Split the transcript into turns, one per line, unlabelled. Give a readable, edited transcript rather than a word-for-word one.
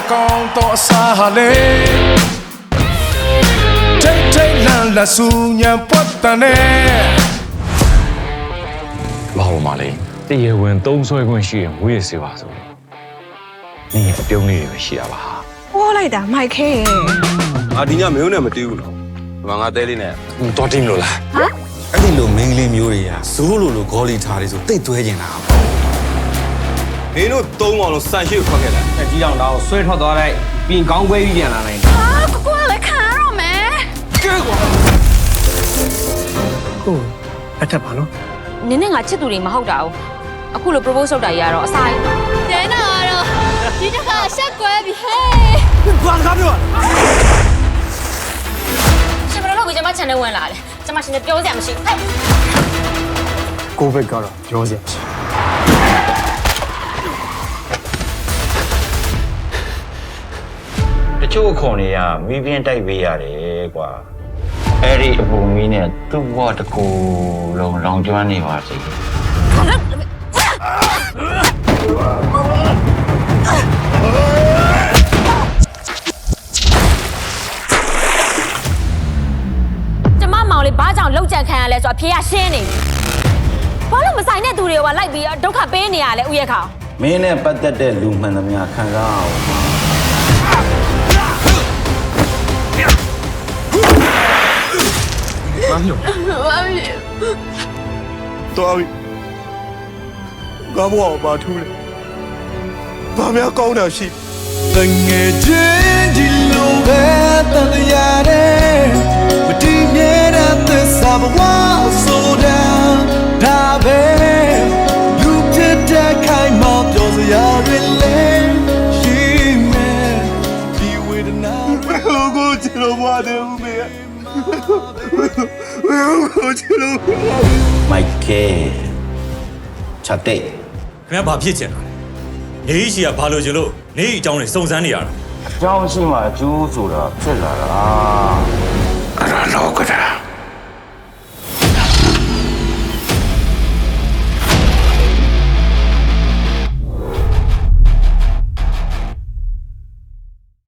ကောင်းတော့အစားဟာလေထိတ်ထိတ်လန့်လန့်ဆူညံပွက်တန်နဲ့
ဘာလို့မလဲတရားဝင်သုံးဆွဲခွင့်ရှိရင်ငွေရစေပါဆိုနေအပြုံးလေးတွေပဲရှိရပါဟာ
ဟောလိုက်တာမိုက်ခဲရဲ့
ငါဒီညမင်းနဲ့မတီးဘူးနော်ဒီမှာငါတဲလေးနဲ့
တော်တင်လို့လား
ဟမ်
အဲ့ဒီလိုမင်းကလေးမျိုးတွေကဇိုးလိုဂေါ်လီထားတွေဆိုတိတ်သွဲကျင်တာ
မင်းတို့သုံးအောင်လို့စံရှိကိုထွက်ခဲ့တာ
တက်ကြီးအောင်တော့ဆွဲထွက်သွားလိုက်ပြင်ကောင်းပွဲပြီးပြန်လာနိုင်
ဟာကိုလည်းခံရတော့မယ်
ကဲကွာ
ကိုအထက်ပါနော်
နင်းနဲ့ငါချစ်သူတွေမဟုတ်တာ哦အခုလို propose လုပ်တာကြီးကတော့အဆိုင်
တဲနာတော့ဒီတစ်ခါရှက်ကွဲပြီဟဲ့
ဘာကားပြော
ရှင်ဘယ်လိုလုပ်ပြီးကျမ channel ဝင်လာလဲကျမရှင်နဲ့ပြောစရာမရှိဟဲ့
ကိုဘက်ကတော့ပြောစရာမရှိ
တချို့အခွန်တွေကမီးပြင်းတိုက်ပေးရတယ်ကွာအဲ့ဒီအပူမီးနဲ့သူ့ဘဝတစ်ခုလုံးလောင်ကျွမ်းနေပါစေ
ကျမမောင်လေးဘာကြောင့်လောက်ကြံခံရလဲဆိုတော့အဖေကရှင်းနေပြီဘာလို့မဆိုင်တဲ့သူတွေကလိုက်ပြီးဒုက္ခပေးနေရလဲဥယျာခေါင်
မင်းနဲ့ပတ်သက်တဲ့လူမှန်သမျှခံစားအောင်
မမ်းလို့တော်ပြီငါဘဝကိုဘာထူးလဲဘာများကောင်းတာရှိတငယ်ချင်းဒီလိုပဲတန်ရတယ်မတည်မြဲတဲ့သစ္စာဘဝဆိုတာဒါပဲလူဖြစ်တဲ့ခိုင်မောပြောစရာတွေလဲရှိမယ်ဒီဝေဒနာကိုချလို့မတယ်ဦးမေကိုချလို့
မိုက်ကဲချက်တဲ့
ခင်ဗျာဘာဖြစ်ချင်တာလဲနေရှိကဘာလို့ကျလို့နေအကြောင်းတွေစုံစမ်းနေရတာ
အကြောင်းရှိမှအကျိုးဆိုတာဖြစ်လာတာ
အဲ့ဒါလောကတာ